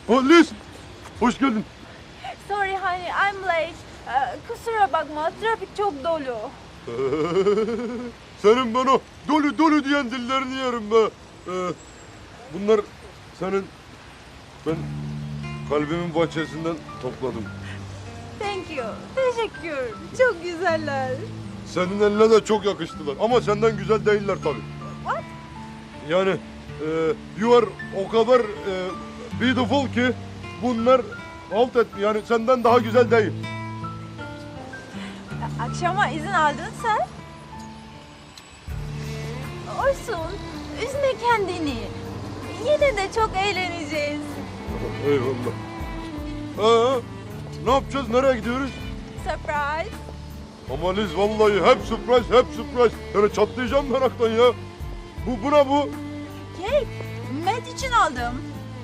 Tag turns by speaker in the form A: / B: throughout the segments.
A: Oh Liz, hoş geldin.
B: Sorry honey, I'm late. Kusura bakma, trafik çok dolu.
A: Senin ben o dolu dolu diyen dillerini yerim be. Bunlar senin, ben kalbimin bahçesinden topladım.
B: Thank you, teşekkür. Çok güzeller.
A: Senin eline de çok yakıştılar ama senden güzel değiller tabii.
B: What?
A: Yani you are o kadar beautiful ki bunlar halt et, yani senden daha güzel değil.
B: Akşama izin aldın sen. Olsun, üzme kendini. Yine de çok eğleneceğiz.
A: Eyvallah. Ne yapacağız? Nereye gidiyoruz?
B: Surprise.
A: Ama Liz vallahi hep surprise, hep surprise. Yani çatlayacağım meraktan ya. Bu ne bu?
B: Kek, Matt için aldım.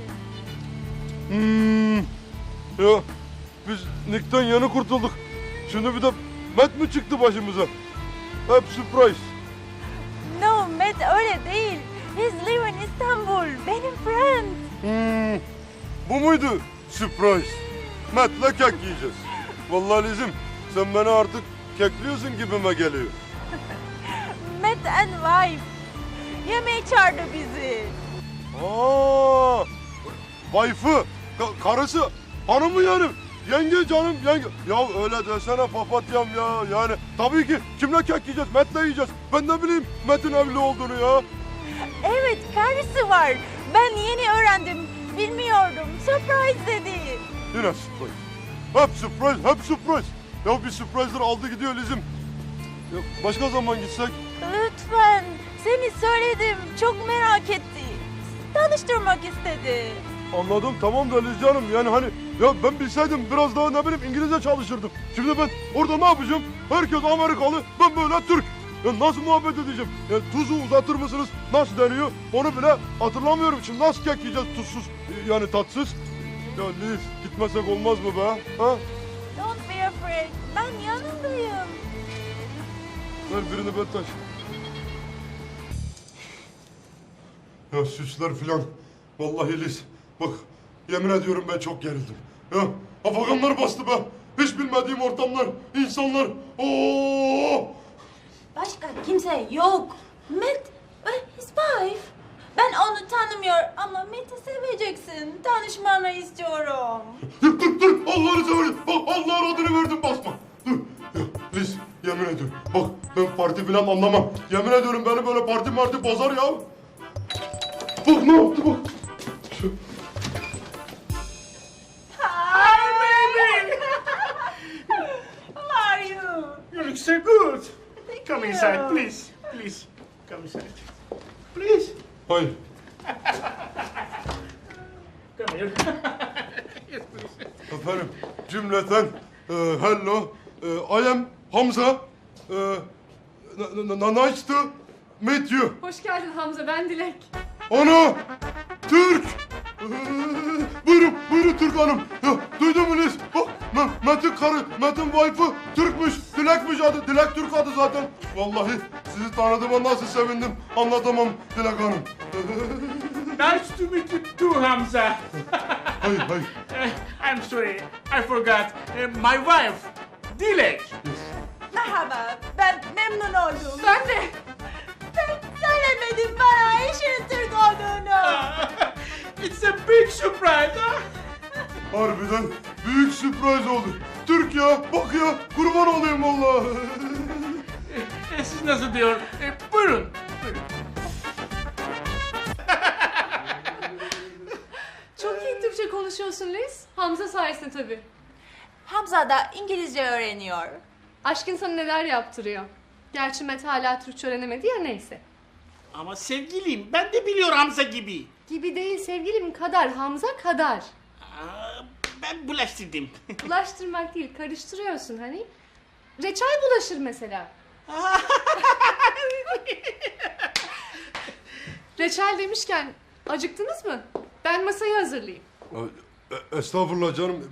A: Ya biz Nick'ten yeni kurtulduk. Şimdi bir de Matt mi çıktı başımıza? Hep surprise.
B: No, Matt öyle değil. He's live in Istanbul. Benim friend.
A: Bu muydu surprise? Matt'le kek yiyeceğiz. Vallahi Liz'im sen beni artık kekliyorsun gibime geliyor.
B: Matt and wife. Yemeğe çağırdı bizi.
A: Wife'ı, karısı, hanımı yani. Yenge canım, yenge. Ya öyle desene papatyam ya. Yani tabii ki kimle kek yiyeceğiz? Matt'le yiyeceğiz. Ben ne bileyim Matt'in evli olduğunu ya.
B: Evet, karısı var. Ben yeni öğrendim. Bilmiyordum. Surprise dedi.
A: Yine surprise. Hep surprise, hep surprise. Ya bir surprise'lar aldı gidiyor Liz'im. Ya başka zaman gitsek?
B: Lütfen. Seni söyledim. Çok merak etti. Tanıştırmak istedi.
A: Anladım tamam da Liz canım yani hani ya ben bilseydim biraz daha ne bileyim İngilizce çalışırdım. Şimdi ben orada ne yapacağım? Herkes Amerikalı, ben böyle Türk. Ya nasıl muhabbet edeceğim? Ya tuzu uzatır mısınız? Nasıl deniyor? Onu bile hatırlamıyorum. Şimdi nasıl kek yiyeceğiz tuzsuz yani tatsız? Ya Liz gitmesek olmaz mı be? Ha?
B: Don't be afraid. Ben yanındayım.
A: Ver birini ben taş. Ya süsler filan. Vallahi Liz. Bak yemin ediyorum ben çok gerildim. Ya afaganlar bastı be. Hiç bilmediğim ortamlar, insanlar. Oo!
B: Başka kimse yok. Matt ve his wife. Ben onu tanımıyor ama Matt'i seveceksin. Tanışmanı istiyorum.
A: Dur. Allah'ını seversen. Bak Allah'ın adını verdim basma. Dur. Ya Liz yemin ediyorum. Bak ben parti filan anlamam. Yemin ediyorum beni böyle parti marti bozar ya. Bak ne yaptı bak.
C: Hi, baby!
B: How are you?
C: You look so good.
B: Thank
C: Come
B: you.
C: inside, please. Please, come inside. Please,
A: Hayır.
C: come here. Yes, please.
A: Efendim cümleten hello, I am Hamza, nice to meet you.
D: Hoş geldin Hamza, ben Dilek.
A: Ana, Türk. Buyurun Türk hanım. Ya, duydun mu Liz? Bak Metin karı, Metin wife'ı Türkmüş, Dilek'miş adı. Dilek Türk adı zaten. Vallahi sizi tanıdığıma nasıl sevindim anlatamam Dilek hanım.
C: Nice to meet you too, Hamza.
A: Hayır.
C: I'm sorry, I forgot. My wife, Dilek.
B: Merhaba, ben memnun oldum.
D: Ben de.
B: Ben söylemedim bana işin Türk olduğunu.
C: It's a big surprise, huh?
A: Harbiden büyük sürpriz oldu. Türk ya, bak ya, kurban olayım vallahi.
C: Siz nasıl diyor? Buyurun.
D: Çok iyi Türkçe konuşuyorsun Liz. Hamza sayesinde tabii.
B: Hamza da İngilizce öğreniyor.
D: Aşkın sana neler yaptırıyor. Gerçi Met hala Türkçe öğrenemedi ya neyse.
C: Ama sevgilim, ben de biliyorum Hamza gibi.
D: Gibi değil sevgilim kadar, Hamza kadar.
C: Ben bulaştırdım.
D: Bulaştırmak değil, karıştırıyorsun hani. Reçel bulaşır mesela. Reçel demişken acıktınız mı? Ben masayı hazırlayayım.
A: Estağfurullah canım,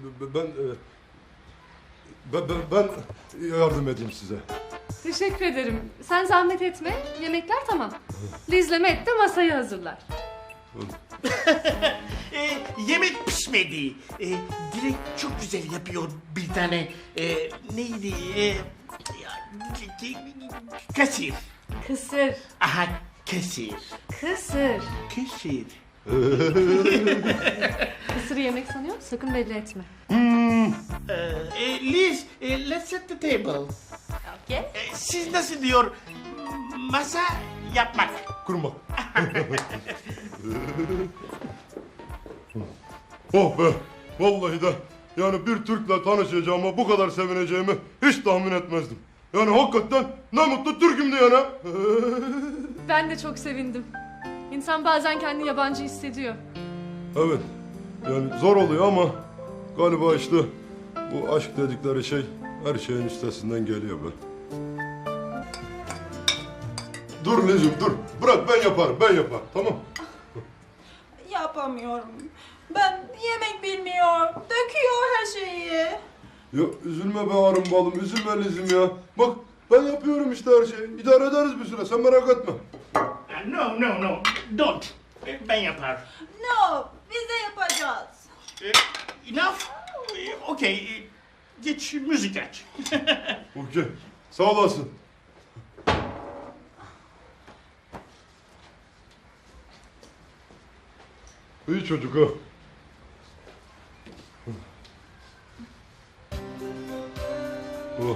A: ben yardım edeyim size.
D: Teşekkür ederim. Sen zahmet etme. Yemekler tamam. Liz'le Met de masayı hazırlar.
C: Yemek pişmedi. Direkt çok güzel yapıyor bir tane. Neydi? Kasir.
D: Kısır.
C: Aha, kesir.
D: Kısır.
C: Kesir.
D: Kısırı yemek sanıyor, sakın belli etme.
C: Liz, let's set the table.
B: Okay.
C: Siz nasıl diyor? Masa yapmak.
A: Kurma. Oh be. Vallahi de yani bir Türk'le tanışacağıma bu kadar sevineceğimi hiç tahmin etmezdim. Yani hakikaten ne mutlu Türk'üm diyene.
D: Ben de çok sevindim. İnsan bazen kendini yabancı hissediyor.
A: Evet. Yani zor oluyor ama galiba işte bu aşk dedikleri şey her şeyin üstesinden geliyor be. Dur Lizim dur. Bırak ben yaparım tamam.
B: Yapamıyorum. Ben yemek bilmiyorum. Döküyor her şeyi.
A: Ya üzülme be arım balım üzülme Lizim ya. Bak ben yapıyorum işte her şeyi. İdare ederiz bir süre sen merak etme.
C: No, don't. Ben yapar.
B: No, biz de yapacağız.
C: Enough? Okay, geç müzik aç.
A: Okey. Sağ olasın. İyi çocuk ha. Oh.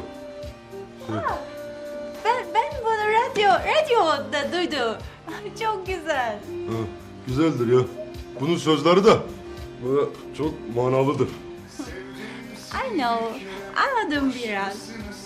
B: Ben bunu radyoda duydum. Çok güzel.
A: Ha, güzeldir ya. Bunun sözleri de böyle çok manalıdır.
B: I know. Anladım biraz.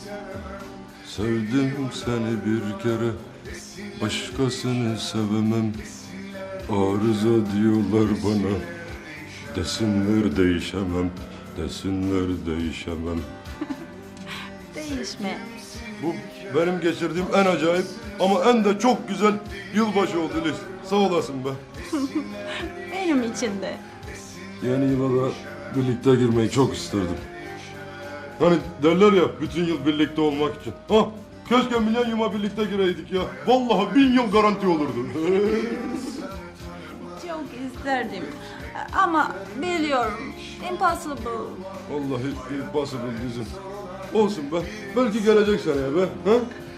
A: Sevdim seni bir kere, başkasını sevemem. Arıza diyorlar bana, desinler değişemem, desinler değişemem.
B: Değişme.
A: Bu benim geçirdiğim en acayip ama en de çok güzel yılbaşı oldu Liz. Sağ olasın be.
B: Benim için de.
A: Yeni yıla da birlikte girmeyi çok isterdim. Hani derler ya bütün yıl birlikte olmak için. Ha, keşke milenyuma birlikte gireydik ya. Vallahi 1000 yıl garanti olurdu.
B: Çok isterdim. Ama biliyorum. Impossible.
A: Vallahi impossible bizim. Olsun be. Belki gelecek seneye be. Ha?